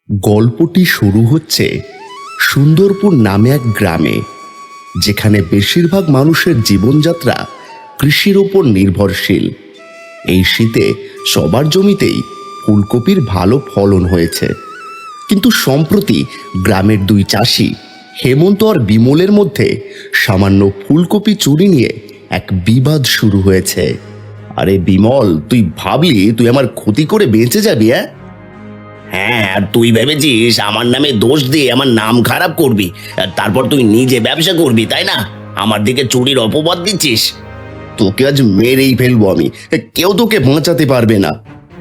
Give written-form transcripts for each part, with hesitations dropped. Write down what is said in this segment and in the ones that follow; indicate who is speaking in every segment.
Speaker 1: গল্পটি শুরু হচ্ছে সুন্দরপুর নামে এক গ্রামে, যেখানে বেশিরভাগ মানুষের জীবনযাত্রা কৃষির ওপর নির্ভরশীল। এই শীতে সবার জমিতেই ফুলকপির ভালো ফলন হয়েছে, কিন্তু সম্প্রতি গ্রামের দুই চাষি হেমন্ত আর বিমলের মধ্যে সামান্য ফুলকপি চুরি নিয়ে এক বিবাদ শুরু হয়েছে। আরে বিমল, তুই ভাবলি তুই আমার ক্ষতি করে বেঁচে যাবি?
Speaker 2: হ্যাঁ, আর তুই ভেবেছিস আমার নামে দোষ দিয়ে আমার নাম খারাপ করবি, আর তারপর তুই নিজে ব্যবসা করবি, তাই না? আমার দিকে চুরির অপবাদ দিচ্ছিস।
Speaker 1: তোকে আজ মেরেই ফেলবো আমি, কেউ তোকে বাঁচাতে পারবে না।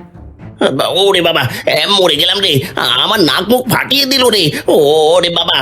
Speaker 2: ওরে বাবা, মরে গেলাম রে, আমার নাক মুখ ফাটিয়ে দিল রে। ওরে বাবা,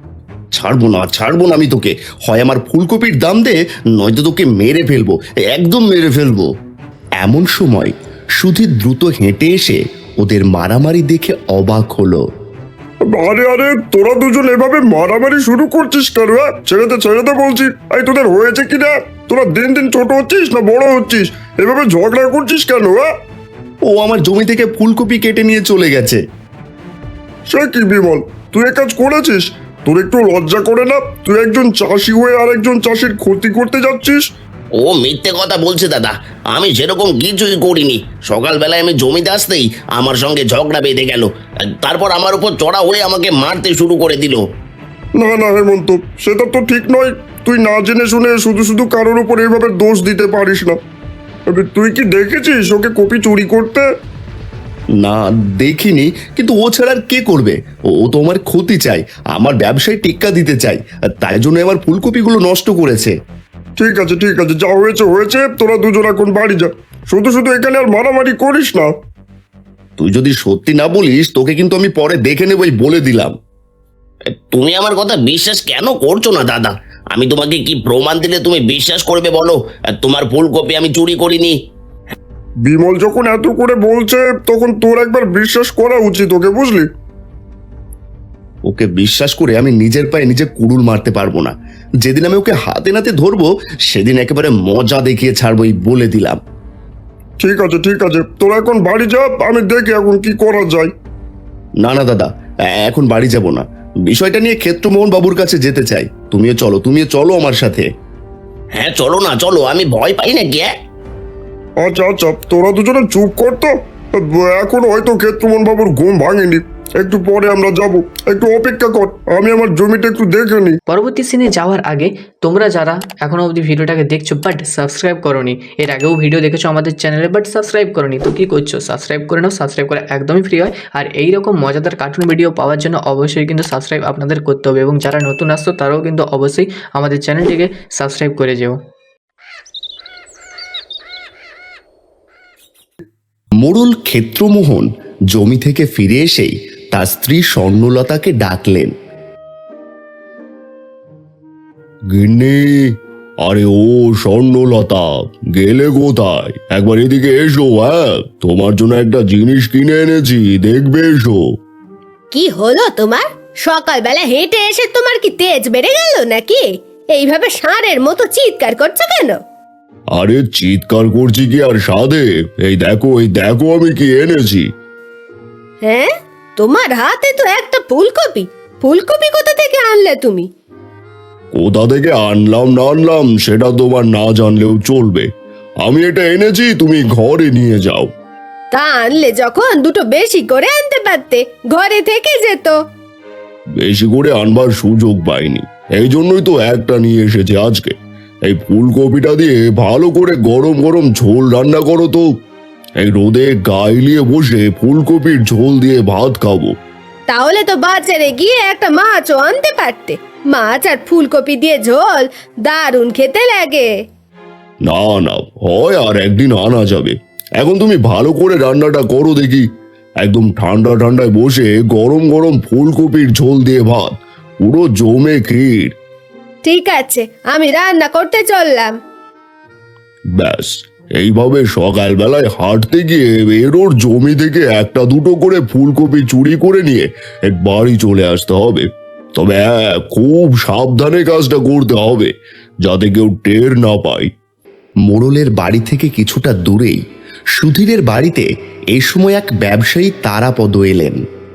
Speaker 1: ছাড়বো না আমি তোকে। হয় আমার ফুলকপির দাম দে, নয়তো তোকে মেরে ফেলবো, একদম মেরে ফেলবো। এমন সময় সুধীর দ্রুত হেঁটে এসে ওদের মারামারি দেখে অবাক হলো।
Speaker 3: আরে আরে, তোরা দুজন এভাবে মারামারি শুরু করছিস কেন? ছেড়ে দে বলছি। এই তোদের হয়েছে কি না? তোরা দিন দিন ছোট হচ্ছিস না বড় হচ্ছিস? এভাবে ঝগড়া করছিস কেন?
Speaker 1: ও আমার জমি থেকে ফুলকপি কেটে নিয়ে চলে গেছে।
Speaker 3: সে কি বিমল, তুই এ কাজ করেছিস? তোর একটু লজ্জা করে না? তুই একজন চাষি হয়ে আর একজন চাষির ক্ষতি করতে যাচ্ছিস।
Speaker 2: ও মিথ্যে কথা বলছে দাদা, আমি সেরকম কিছুই করিনি। সকালবেলায় আমি জমিতে আসতেই আমার সঙ্গে ঝগড়া বেঁধে গেল, তারপর আমার উপর চড়া হয়ে আমাকে মারতে শুরু করে দিল।
Speaker 3: না না হেমন্ত, সেটা তো ঠিক নয়। তুই না জেনে শুনে শুধু শুধু কারোর উপর এইভাবে দোষ দিতে পারিস না। তবে তুই কি দেখেছিস ওকে কপি চুরি করতে?
Speaker 1: না, দেখিনি, কিন্তু ও ছাড়া আর কে করবে? ও তো আমার ক্ষতি চাই, আমার ব্যবসায় টেক্কা দিতে চাই, তাই জন্য আমার ফুলকপিগুলো নষ্ট করেছে।
Speaker 3: ঠিক আছে যা হয়েছে হয়েছে। তোরা দুজন এখন বাড়ি যা। শুধু শুধু এখানে আর মারামারি করিস না।
Speaker 1: তুই যদি সত্যি না বলিস, তোকে কিন্তু আমি পরে দেখে নেবই, বলে দিলাম।
Speaker 2: তুমি আমার কথা বিশ্বাস কেন করছো না দাদা? আমি তোমাকে কি প্রমাণ দিলে তুমি বিশ্বাস করবে বলো? তোমার ফুলকপি আমি চুরি করিনি।
Speaker 3: বিমল যখন এত করে বলছে, তখন তোর একবার বিশ্বাস করা উচিত ওকে, বুঝলি?
Speaker 1: ওকে বিশ্বাস করে আমি নিজের পায়ে নিজে কুড়ুল মারতে পারবো না। যেদিন আমি ওকে হাতে নাতে ধরবো, সেদিন একেবারে মজা দেখিয়ে ছাড়বোই, বলে দিলাম।
Speaker 3: ঠিক আছে, তোরা এখন বাড়ি যা। আমি দেখি এখন কি করা যায়।
Speaker 1: না না দাদা, এখন বাড়ি যাব না। বিষয়টা নিয়ে ক্ষেত্রমোহন বাবুর কাছে যেতে চাই। তুমিও চলো আমার সাথে।
Speaker 2: হ্যাঁ চলো না, চলো, আমি ভয় পাই না কে।
Speaker 3: আচ্ছা, তোরা দুজনে চুপ কর তো। এখন হয়তো ক্ষেত্রমোহন বাবুর ঘুম ভাঙেনি, একটু পরে আমরা যাব। একটু অপেক্ষা কর, আমি আমার জমিটা একটু দেখে নিই।
Speaker 4: পরবর্তী সিনে যাওয়ার আগে তোমরা যারা এখনো অবধি ভিডিওটাকে দেখছো বাট সাবস্ক্রাইব করোনি, এর আগেও ভিডিও দেখেছো আমাদের চ্যানেলে বাট সাবস্ক্রাইব করোনি, তো কি করছো? সাবস্ক্রাইব করে নাও। সাবস্ক্রাইব করা একদমই ফ্রি হয়। আর এই রকম মজাদার কার্টুন ভিডিও পাওয়ার জন্য অবশ্যই কিন্তু সাবস্ক্রাইব আপনাদের করতে হবে, এবং যারা নতুন আসছো তারাও কিন্তু অবশ্যই আমাদের চ্যানেলটিকে সাবস্ক্রাইব করে যেও।
Speaker 1: মোড়ল ক্ষেত্রমোহন জমি থেকে ফিরে এসেই তার স্ত্রী স্বর্ণলতাকে ডাকলেন। গিন্নি, আরে ও স্বর্ণলতা, গেলে কোথায়? একবার এদিকে এসো। তোমার জন্য একটা জিনিস কিনে এনেছি, দেখবে, এসো।
Speaker 5: কি হলো তোমার? সকালবেলা হেঁটে এসে তোমার কি তেজ বেড়ে গেল নাকি? এইভাবে ষাঁড়ের মতো চিৎকার করছো কেন?
Speaker 1: আরে চিৎকার করছি কি আর সাধে? এই দেখো আমি কি এনেছি।
Speaker 5: হ্যাঁ, তোমার হাতে তো একটা ফুলকপি। ফুলকপি কোথা থেকে আনলে তুমি?
Speaker 1: কোথা থেকে আনলাম না আনলাম সেটা তোমার না জানলেও চলবে। আমি এটা এনেছি, তুমি ঘরে নিয়ে যাও।
Speaker 5: তা আনলে যখন দুটো বেশি করে আনতে পারতে, ঘরে থেকে যেত।
Speaker 1: বেশি করে আনবার সুযোগ পাইনি, এই জন্যই তো একটা নিয়ে এসেছি আজকে। এই ফুলকপিটা দিয়ে ভালো করে গরম গরম ঝোল রান্না করো তো। এই রোদে গাইলিয়ে বসে ফুলকপির ঝোল দিয়ে ভাত খাবো।
Speaker 5: তাহলে তো বাজারে গিয়ে একটা মাছও আনতে পারতে। মাছ আর ফুলকপি দিয়ে ঝোল দারুণ খেতে লাগে।
Speaker 1: না না, হয় আর একদিন আনা যাবে। এখন তুমি ভালো করে রান্নাটা করো দেখি। একদম ঠান্ডা ঠান্ডায় বসে গরম গরম ফুলকপির ঝোল দিয়ে ভাত, পুরো জমে ক্ষীর।
Speaker 5: ঠিক আছে, আমি রান্না করতে চললাম।
Speaker 1: ব্যাস, এইভাবে সকালবেলায় হাঁটতে গিয়ে এরোর জমি থেকে একটা দুটো করে ফুলকপি চুরি করে নিয়ে বাড়ি চলে আসতে হবে। তবে হ্যাঁ, খুব সাবধানে কাজটা করতে হবে, যাতে কেউ টের না পায়। মোড়লের বাড়ি থেকে কিছুটা দূরেই সুধীরের বাড়িতে এই সময় এক ব্যবসায়ী তারাপদ এলেন।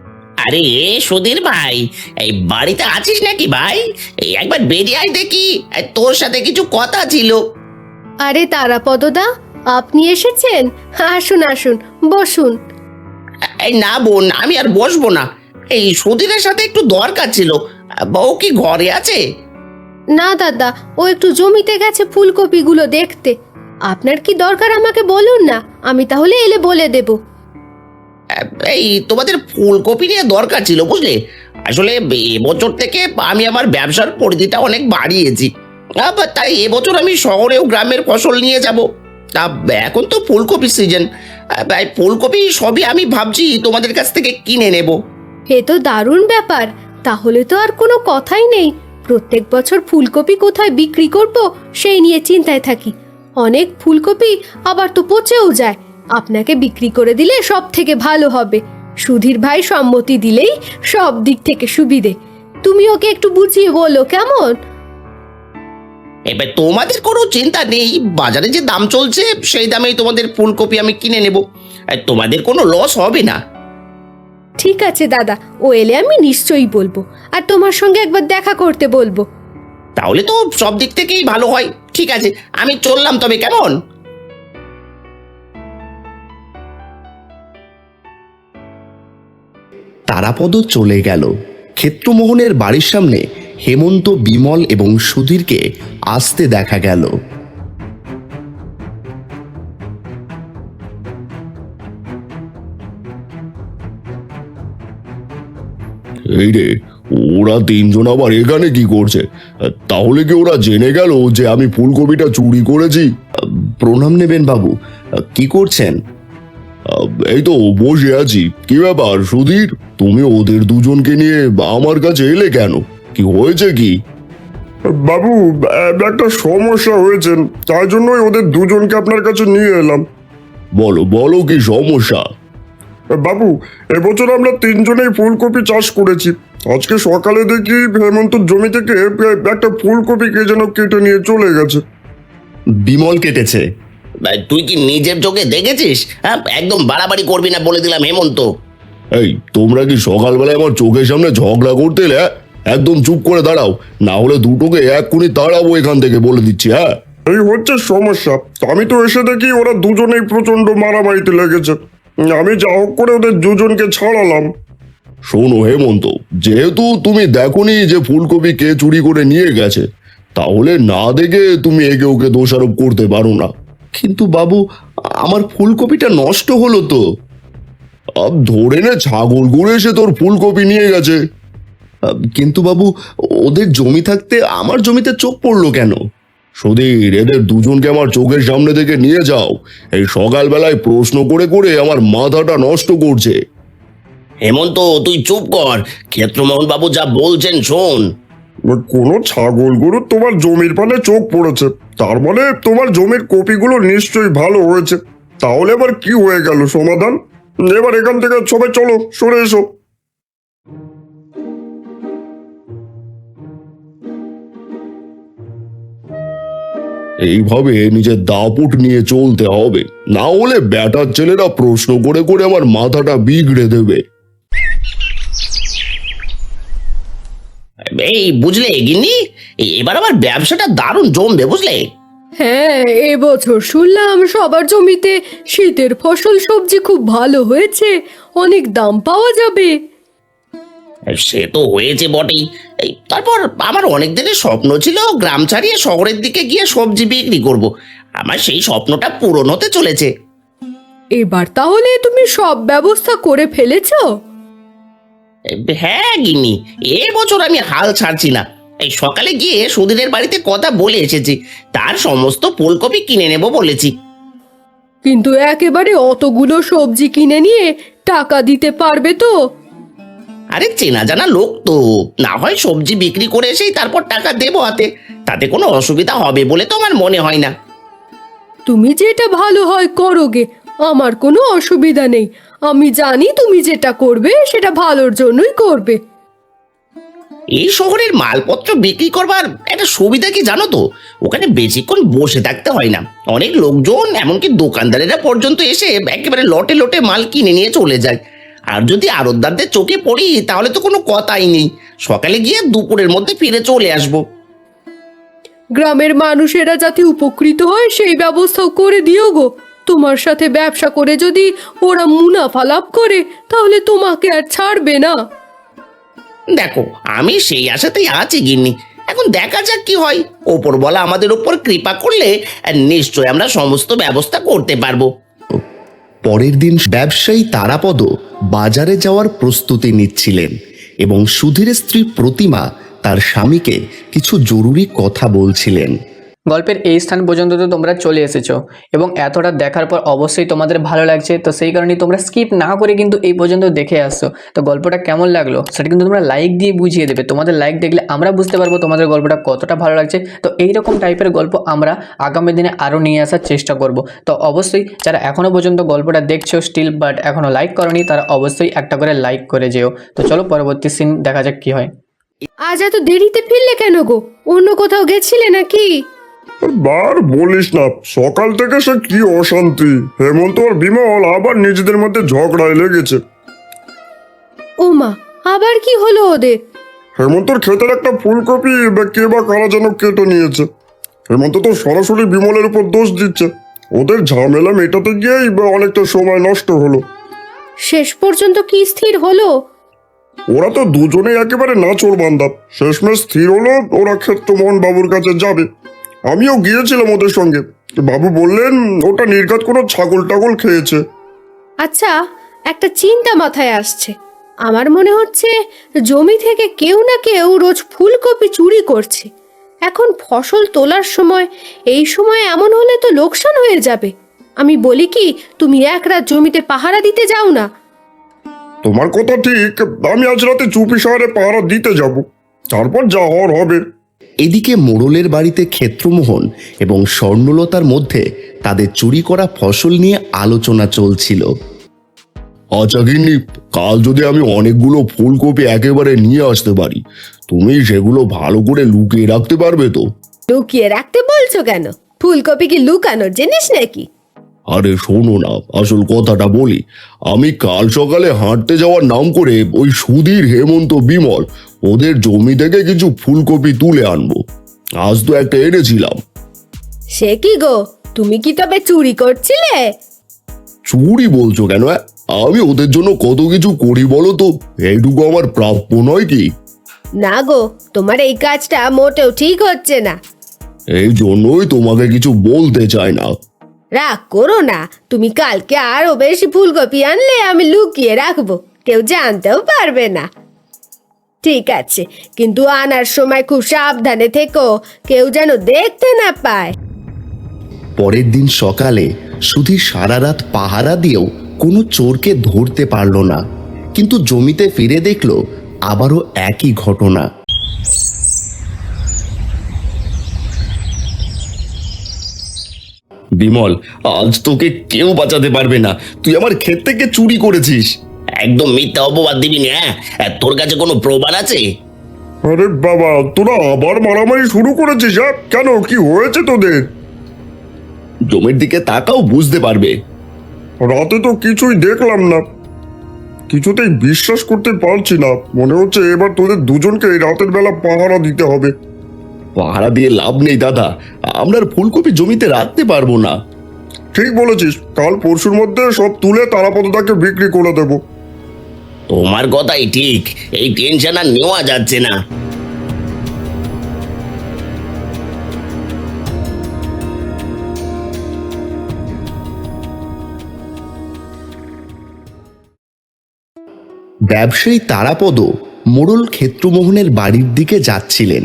Speaker 2: আরে সুধীর ভাই, এই বাড়িতে আছিস নাকি ভাই? এই একবার বেরিয়ে আয় দেখি, এই তোর সাথে কিছু কথা ছিল।
Speaker 5: আরে তারাপদদা, আপনি এসেছেন? আসুন আসুন, বসুন।
Speaker 2: এই না বোন, আমি আর বসবো না। এই সুধীরের সাথে একটু দরকার ছিল। বউ কি ঘরে আছে?
Speaker 5: না দাদা, ও একটু জমিতে গেছে ফুলকপিগুলো দেখতে। আপনার কি দরকার আমাকে বলুন না, আমি তাহলে এলে বলে দেব।
Speaker 2: এই তোমাদের ফুলকপি নিয়ে দরকার ছিল বুঝলে। আসলে এবছর থেকে আমি আমার ব্যবসার পরিধিটা অনেক বাড়িয়েছি। তাই এবছর আমি শহরেও গ্রামের ফসল নিয়ে যাব। এখন তো ফুলকপির সিজন, ফুলকপি সবই আমি ভাবছি তোমাদের কাছ থেকে কিনে নেব।
Speaker 5: এ তো দারুণ ব্যাপার। তাহলে তো আর কোনো কথাই নেই। প্রত্যেক বছর ফুলকপি কোথায় বিক্রি করব সেই নিয়ে চিন্তায় থাকি। অনেক ফুলকপি আবার তো পচেও যায়। আপনাকে বিক্রি করে দিলে সব থেকে ভালো হবে। সুধীর ভাই সম্মতি দিলেই সব দিক থেকে সুবিধে। তুমি ওকে একটু বুঝিয়ে বলো, কেমন?
Speaker 2: এবার তোমাদের কোনো চিন্তা নেই, বাজারে যে দাম চলছে সেই দামেই তোমাদের ফুলকপি আমি কিনে নেব। তোমাদের কোনো লস হবে না।
Speaker 5: ঠিক আছে দাদা, ও এলে আমি নিশ্চয়ই বলবো, আর তোমার সঙ্গে একবার দেখা করতে বলবো।
Speaker 2: তাহলে তো সব দিক থেকেই ভালো হয়। ঠিক আছে, আমি চললাম তবে, কেমন?
Speaker 1: তারাপদ চলে গেল। ক্ষেত্রমোহনের বাড়ির সামনে হেমন্ত, বিমল এবং সুধীরকে আসতে দেখা গেল।
Speaker 3: এই রে, ওরা তিনজন আবার এখানে কি করছে? তাহলে কি ওরা জেনে গেল যে আমি ফুলকপিটা চুরি করেছি?
Speaker 1: প্রণাম নেবেন বাবু, কি করছেন?
Speaker 3: এই তো বসে আছি। কি ব্যাপার সুধীর, তুমি ওদের দুজনকে নিয়ে আমার কাছে এলে কেন? কি হয়েছে কি? বাবু, একটা সমস্যা হয়েছে, তাই জন্যই ওদের দুজনকে আপনার কাছে নিয়ে এলাম। বলো বলো, কি সমস্যা? বাবু, এবছর আমরা তিনজনেই ফুলকপি চাষ করেছি। আজকে সকালে দেখি হেমন্ত জমি থেকে একটা ফুলকপি কে যেন কেটে নিয়ে চলে গেছে।
Speaker 1: বিমল কেটেছে?
Speaker 2: তুই কি নিজের চোখে দেখেছিস? হ্যাঁ, একদম বাড়াবাড়ি করবি না বলে দিলাম হেমন্ত।
Speaker 3: এই, তোমরা কি সকালবেলায় আমার চোখের সামনে ঝগড়া করতে এলে? একদম চুপ করে দাঁড়াও, না হলে দুটোকে এক্ষুনি তাড়াবো এখান থেকে, বলে দিচ্ছি। হ্যাঁ, এই হচ্ছে সমস্যা। আমি তো এসে দেখি ওরা দুজনেই প্রচন্ড মারামারিতে লেগেছে। আমি যা হোক করে ওদের দুজনকে ছাড়ালাম। শোনো হেমন্ত, যেহেতু তুমি দেখোনি যে ফুলকপি কে চুরি করে নিয়ে গেছে, তাহলে না দেখে তুমি একে ওকে দোষারোপ করতে পারো না।
Speaker 1: কিন্তু বাবু, আমার ফুলকপিটা নষ্ট হলো তো।
Speaker 3: ধরে নে, ছাগল ঘুরে এসে তোর ফুলকপি নিয়ে গেছে।
Speaker 1: কিন্তু বাবু, ওদের জমি থাকতে আমার জমিতে চোখ পড়লো কেন?
Speaker 3: সুধীর, এদের দুজনকে আমার চোখের সামনে থেকে নিয়ে যাও। এই সকালবেলায় প্রশ্ন করে করে আমার মাথাটা নষ্ট করছে।
Speaker 2: হেমন্ত, তুই চুপ কর। ক্ষেত্রমোহন বাবু যা বলছেন শোন।
Speaker 3: কোনো ছাগল গরু তোমার জমির পানে চোখ পড়েছে, তার মানে তোমার জমির কপিগুলো নিশ্চয়ই ভালো হয়েছে। তাহলে আবার কি হয়ে গেল সমাধান? এবার এখান থেকে সবাই চলো, সরে এসো। এইভাবে নিজের দাপুট নিয়ে চলতে হবে, না হলে ব্যাটার ছেলেরা প্রশ্ন করে করে আমার মাথাটা বিগড়ে দেবে।
Speaker 2: এই বুঝলে গিন্নি, এবার আবার ব্যবসাটা দারুণ জমবে বুঝলে।
Speaker 6: হ্যাঁ, এবছর শুনলাম সবার জমিতে শীতের ফসল সবজি খুব ভালো হয়েছে, অনেক দাম পাওয়া যাবে।
Speaker 2: সে তো হয়েছে বটেই। তারপর আমার অনেক দিনের স্বপ্ন ছিল গ্রাম ছাড়িয়ে শহরের দিকে গিয়ে সবজি বিক্রি করব। আমার সেই স্বপ্নটা পূরণ হতে চলেছে।
Speaker 6: এবার তাহলে তুমি সব ব্যবস্থা করে ফেলেছো?
Speaker 2: হ্যাঁ গিন্নি, এবছর আমি হাল ছাড়ছি না। এই সকালে গিয়ে সুধীরের বাড়িতে কথা বলে এসেছি, তার সমস্ত ফুলকপি কিনে নেব বলেছি।
Speaker 6: কিন্তু একেবারে অতগুলো সবজি কিনে নিয়ে টাকা দিতে পারবে তো?
Speaker 2: আরে চেনা জানা লোক তো, না হয় সবজি বিক্রি করে এসেই তারপর টাকা দেবো হাতে। তাতে কোনো অসুবিধা হবে বলে তো আমার মনে হয় না।
Speaker 6: তুমি যেটা ভালো হয় করোগে, আমার কোনো অসুবিধা নেই। আমি জানি তুমি যেটা করবে সেটা ভালোর জন্যই করবে।
Speaker 2: এই শহরের মালপত্র বিক্রি করবার একটা সুবিধা কি জানো তো? ওখানে বেশিক্ষণ বসে থাকতে হয় না। অনেক লোকজন, এমনকি দোকানদারেরা পর্যন্ত এসে একেবারে লটে লটে মাল কিনে নিয়ে চলে যায়। আর যদি আড়তদারদের চোখে পড়ি তাহলে তো কোনো কথাই নেই, সকালে গিয়ে দুপুরের মধ্যে ফিরে চলে আসবো।
Speaker 6: গ্রামের মানুষেরা যাতে উপকৃত হয় সেই ব্যবস্থাও করে দিও গো। তোমার সাথে ব্যবসা করে যদি ওরা মুনাফা লাভ করে তাহলে তোমাকে আর ছাড়বে না।
Speaker 2: দেখো, আমি সেই আশাতেই আছি গিন্নি, এখন দেখা যাক কি হয়। ওপরওয়ালা আমাদের উপর কৃপা করলে নিশ্চয় আমরা সমস্ত ব্যবস্থা করতে পারবো।
Speaker 1: পরের দিন ব্যবসায়ী তারাপদ বাজারে যাওয়ার প্রস্তুতি নিচ্ছিলেন এবং সুধীর স্ত্রী প্রতিমা তার স্বামীকে কিছু জরুরি কথা বলছিলেন।
Speaker 4: গল্পের এই স্থান পর্যন্ত তো তোমরা চলে এসেছো এবং এতটা দেখার পর অবশ্যই তোমাদের ভালো লাগছে, তো সেই কারণে তোমরা স্কিপ না করে কিন্তু এই পর্যন্ত দেখে আসছো। তো গল্পটা কেমন লাগলো সেটা কিন্তু তোমরা লাইক দিয়ে বুঝিয়ে দেবে। তোমাদের লাইক দেখলে আমরা বুঝতে পারবো তোমাদের গল্পটা কতটা ভালো লাগছে। তো এইরকম টাইপের গল্প আমরা আগামী দিনে আরও নিয়ে আসার চেষ্টা করব। তো অবশ্যই যারা এখনও পর্যন্ত গল্পটা দেখছো স্টিল বাট এখনও লাইক করনি, তারা অবশ্যই একটা করে লাইক করে যেও। তো চলো পরবর্তী সিন দেখা যাক কি হয়।
Speaker 5: আজ এত দেরিতে ফিরলে কেন গো? অন্য কোথাও গেছিলে নাকি?
Speaker 3: বার বলিস না, সকাল থেকে সে কি অশান্তি। হেমন্ত আর বিমল আবার নিজেদের মধ্যে ঝগড়ায় লেগেছে।
Speaker 5: ও মা, আবার কি হলো ওদের?
Speaker 3: হেমন্তর ক্ষেতের একটা ফুলকপি কে বা কারা যেন কেটে নিয়েছে। হেমন্ত তো সরাসরি বিমলের উপর দোষ দিচ্ছে। ওদের ঝামেলা মেটাতে গিয়েই অনেকটা সময় নষ্ট হলো।
Speaker 5: শেষ পর্যন্ত কি স্থির হলো?
Speaker 3: ওরা তো দুজনেই একেবারে নাচোর বান্দা। শেষমেশ স্থির হলো ওরা ক্ষেত্রমোহন বাবুর কাছে যাবে। আমিও গিয়েছিলাম ওদের সঙ্গে। বাবু বললেন ওটা নির্ঘাত কোনো ছাগল টাগল খেয়েছে।
Speaker 5: আচ্ছা, একটা চিন্তা মাথায় আসছে। আমার মনে হচ্ছে জমি থেকে কেউ না কেউ রোজ ফুলকপি চুরি করছে। এখন ফসল তোলার সময়, এই সময় এমন হলে তো লোকসান হয়ে যাবে। আমি বলি কি, তুমি এক রাত জমিতে পাহারা দিতে যাও না।
Speaker 3: তোমার কথা ঠিক, আমি আজ রাতে চুপি শহরে পাহারা দিতে যাব, তারপর যা হওয়ার হবে।
Speaker 1: এদিকে মোড়লের বাড়িতে ক্ষেত্রমোহন এবং স্বর্ণলতার মধ্যে তাদের চুরি করা ফসল নিয়ে আলোচনা চলছিল।
Speaker 3: আচ্ছা গিন্নি, কাল যদি আমি অনেকগুলো ফুলকপি একেবারে নিয়ে আসতে পারি, তুমি সেগুলো ভালো করে লুকিয়ে রাখতে পারবে তো?
Speaker 5: লুকিয়ে রাখতে বলছো কেন? ফুলকপি কি লুকানোর জিনিস নাকি?
Speaker 3: আরে শোনো না, আসল কথাটা বলি। আমি কাল সকালে হাঁটতে যাওয়ার নাম করে ওই সুধীর, হেমন্ত, বিমল ওদের জমি থেকে কিছু ফুলকপি তুলে আনবো। আজ তো একটা এনেছিলাম।
Speaker 5: সে কি গো, তুমি কি তবে চুরি করছিলে?
Speaker 3: চুরি বলছো কেন? আমি ওদের জন্য কত কিছু করি বলো তো, এইটুকু আমার প্রাপ্য নয় কি?
Speaker 5: না গো, তোমার এই কাজটা মোটেও ঠিক হচ্ছে না।
Speaker 3: এই জন্যই তোমাকে কিছু বলতে চাই না।
Speaker 5: রাগ করো না, তুমি কালকে আরো বেশি ফুলকপি আনলে আমি লুকিয়ে রাখবো, কেউ জানতেও পারবে না। ঠিক আছে, কিন্তু আনার সময় খুব সাবধানে থেকো, কেউ যেন দেখতে না পায়।
Speaker 1: পরের দিন সকালে সুধীর সারা রাত পাহারা দিয়েও কোনো চোরকে ধরতে পারল না, কিন্তু জমিতে ফিরে দেখলো আবারও একই ঘটনা।
Speaker 2: বিমল, আজ তোকে কেউ বাঁচাতে পারবে না। তুই আমার ক্ষেত থেকে চুরি করেছিস। একদম মিথ্যা অপবাদ দিবি না। তোর কাছে কোনো প্রমাণ আছে?
Speaker 3: আরে বাবা, তোরা আবার মারামারি শুরু করেছিস? কেন, কি হয়েছে তোদের?
Speaker 2: জমির দিকে তাকাও, বুঝতে পারবে।
Speaker 3: রাতে তো কিছুই দেখলাম না, কিছুতেই বিশ্বাস করতে পারছি না। মনে হচ্ছে এবার তোদের দুজনকে রাতের বেলা পাহারা দিতে হবে।
Speaker 2: পাহারা দিয়ে লাভ নেই দাদা, আমরা আর ফুলকপি জমিতে রাখতে পারবো না।
Speaker 3: ঠিক বলেছিস, কাল পরশুর মধ্যে সব তুলে তারাপদটাকে বিক্রি করে দেবো।
Speaker 2: তোমার কথাই ঠিক, এই টেনশন আর নেওয়া যাচ্ছে না।
Speaker 1: ব্যবসায়ী তারাপদ মোড়ল ক্ষেত্রমোহনের বাড়ির দিকে যাচ্ছিলেন।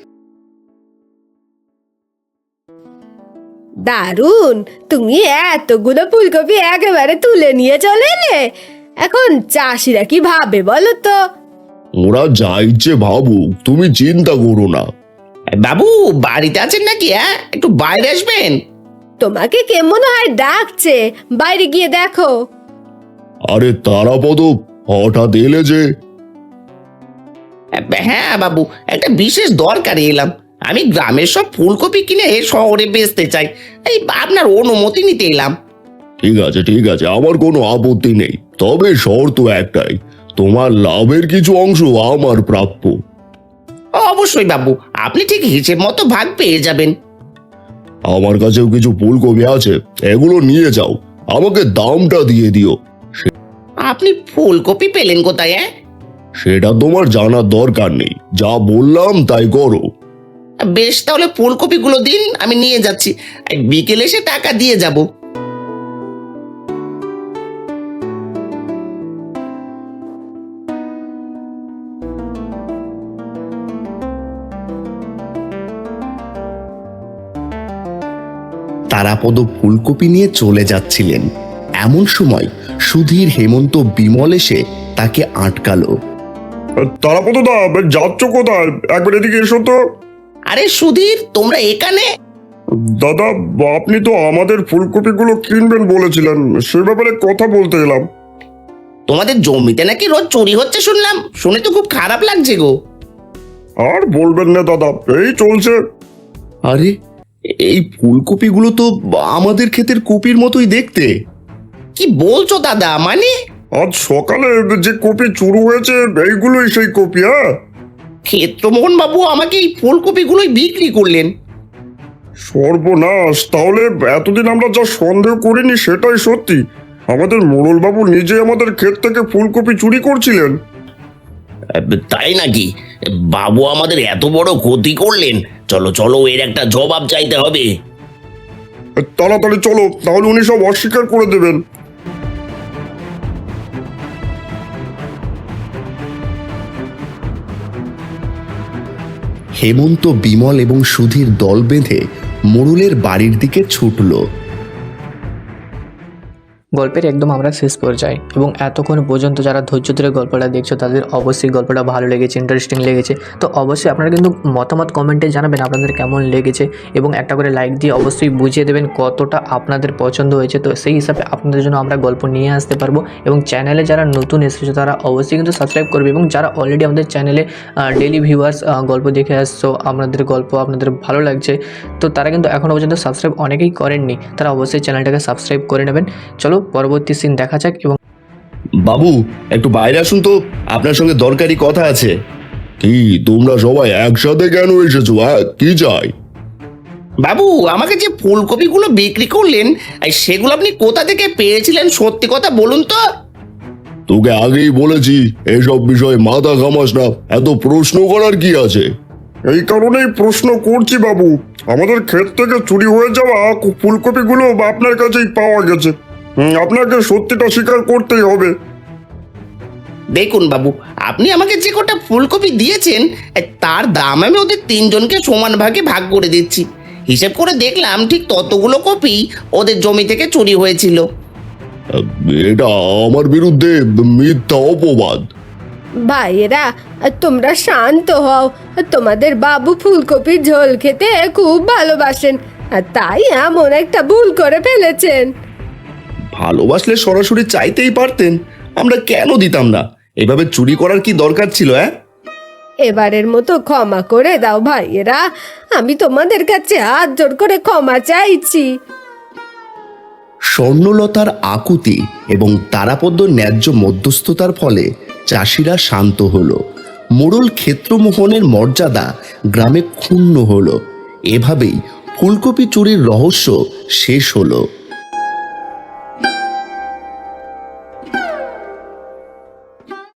Speaker 5: দারুণ, তুমি এতগুলো ফুলকপি একেবারে তুলে নিয়ে চলে এলে। এখন চাষিরা কি ভাবে বলো তো?
Speaker 3: ওরা যা ইচ্ছে ভাবুক, তুমি চিন্তা করো না।
Speaker 2: বাবু বাড়িতে আছেন নাকি? একটু বাইরে আসবেন।
Speaker 5: তোমাকে কে মনে হয় ডাকছে, বাইরে গিয়ে দেখো।
Speaker 3: আরে তারাপদ, হঠাৎ এলে যে?
Speaker 2: হ্যাঁ বাবু, একটা বিশেষ দরকারে এলাম। আমি গ্রামের সব ফুলকপি কিনে শহরে বেচতে চাই, এই আপনার অনুমতি নিতে এলাম।
Speaker 3: ঠিক আছে ঠিক আছে, আমার কোনো আপত্তি নেই। তবে শর্ত একটাই, তোমার লাভের কিছু অংশ আমার প্রাপ্য।
Speaker 2: অবশ্যই বাবু, আপনি ঠিক হিসেব মতো ভাগ পেয়ে যাবেন।
Speaker 3: আমার কাছেও কিছু ফুলকপি আছে, এগুলো নিয়ে যাও, আমাকে দামটা দিয়ে দিও।
Speaker 2: আপনি ফুলকপি পেলেন কোথায়?
Speaker 3: সেটা তোমার জানার দরকার নেই, যা বললাম তাই করো।
Speaker 2: বেশ, তাহলে ফুলকপিগুলো দিন, আমি নিয়ে যাচ্ছি। বিকেলে এসে টাকা দিয়ে যাব।
Speaker 1: তারাপদ ফুলকপি নিয়ে চলে যাচ্ছিলেন। এমন সময় সুধীর, হেমন্ত, বিমল এসে তাকে আটকালো।
Speaker 3: তারাপদ দা, যাচ্ছ কোথায়? একবার এদিকে এসো তো।
Speaker 2: আরে সুধীর, তোমরা এখানে?
Speaker 3: দাদা, আপনি তো আমাদের ফুলকপিগুলো কিনবেন বলেছিলেন, সে ব্যাপারে কথা বলতে এলাম।
Speaker 2: তোমাদের জমিতে নাকি রোজ চুরি হচ্ছে শুনলাম, শুনে তো খুব খারাপ লাগছে গো।
Speaker 3: আর বলবেন না দাদা, এই চলছে।
Speaker 1: আরে, এই ফুলকপিগুলো তো আমাদের ক্ষেতের কপির মতোই দেখতে।
Speaker 2: কি বলছো দাদা? মানে
Speaker 3: আজ সকালে যে কপি চুরি হয়েছে এইগুলোই সেই কপি। হ্যাঁ,
Speaker 2: ক্ষেত্রমোহন বাবু আমাকে এই ফুলকপিগুলোই বিক্রি করলেন।
Speaker 3: সর্বনাশ! তাহলে এতদিন আমরা যা সন্দেহ করিনি সেটাই সত্যি। আমাদের মোড়ল বাবু নিজে আমাদের ক্ষেত থেকে ফুলকপি চুরি করছিলেন।
Speaker 2: তাই নাকি? বাবু আমাদের এত বড় ক্ষতি করলেন। চলো চলো, এর একটা জবাব চাইতে হবে।
Speaker 3: তাড়াতাড়ি চলো, তাহলে উনি সব অস্বীকার করে দেবেন।
Speaker 1: হেমন্ত, বিমল এবং সুধীর দল বেঁধে মোড়লের বাড়ির দিকে ছুটল।
Speaker 4: গল্পের একদম আমরা শেষ পর্যায়ে, এবং এতক্ষণ পর্যন্ত যারা ধৈর্য ধরে গল্পটা দেখছো তাদের অবশ্যই গল্পটা ভালো লেগেছে, ইন্টারেস্টিং লেগেছে। তো অবশ্যই আপনারা কিন্তু মতামত কমেন্টে জানাবেন আপনাদের কেমন লেগেছে, এবং একটা করে লাইক দিয়ে অবশ্যই বুঝিয়ে দেবেন কতটা আপনাদের পছন্দ হয়েছে। তো সেই হিসাবে আপনাদের জন্য আমরা গল্প নিয়ে আসতে পারবো। এবং চ্যানেলে যারা নতুন এসেছে তারা অবশ্যই কিন্তু সাবস্ক্রাইব করবে, এবং যারা অলরেডি আমাদের চ্যানেলে ডেইলি ভিউয়ার্স গল্প দেখে আসছো, আপনাদের গল্প আপনাদের ভালো লাগছে, তো তারা কিন্তু এখনও পর্যন্ত সাবস্ক্রাইব অনেকেই করেননি, তারা অবশ্যই চ্যানেলটাকে সাবস্ক্রাইব করে নেবেন। চলো পরবর্তী সিন দেখা যাক। এবং
Speaker 1: বাবু, একটু বাইরে আসুন তো, আপনার সঙ্গে দরকারি কথা আছে।
Speaker 3: কি, তোমরা সবাই একসাথে কেন এসেছো? কি চাই?
Speaker 2: বাবু, আমাকে যে ফুলকপিগুলো বিক্রি করলেন, সেগুলো আপনি কোথা থেকে পেয়েছিলেন? সত্যি কথা বলুন তো।
Speaker 3: তোকে আগেই বলেছি এসব বিষয়ে মাথা ঘামাস না, এত প্রশ্ন করার কি আছে? এই কারণেই প্রশ্ন করছি বাবু, আমাদের ক্ষেত থেকে চুরি হয়ে যাওয়া ফুলকপিগুলো আপনার কাছেই পাওয়া গেছে। আপনাকে সত্যিটা স্বীকার করতেই হবে।
Speaker 2: দেখুন বাবু, আপনি আমাকে যে কটা ফুলকপি দিয়েছেন তার দাম আমি ওদের তিনজনকে সমান ভাগে ভাগ করে দিচ্ছি। হিসেব করে দেখলাম ঠিক ততগুলো কপি ওদের জমি থেকে চুরি হয়েছিল।
Speaker 3: এটা আমার বিরুদ্ধে মিথ্যা অপবাদ।
Speaker 5: ভাইয়েরা, তোমরা শান্ত হও। তোমাদের বাবু ফুলকপির ঝোল খেতে খুব ভালোবাসেন, আর তাই এমন একটা ভুল করে ফেলেছেন।
Speaker 1: ভালোবাসলে সরাসরি চাইতেই পারতেন, আমরা কেন দিতাম না? এভাবে চুরি করার কি দরকার ছিল?
Speaker 5: এবারের মতো ক্ষমা করে দাও ভাইয়েরা, আমি তোমাদের কাছে হাত জোর করে ক্ষমা চাইছি।
Speaker 1: স্বর্ণলতার আকুতি এবং তারাপদ্য ন্যায্য মধ্যস্থতার ফলে চাষিরা শান্ত হলো। মোড়ল ক্ষেত্রমোহনের মর্যাদা গ্রামে ক্ষুণ্ণ হলো। এভাবেই ফুলকপি চুরির রহস্য শেষ হলো।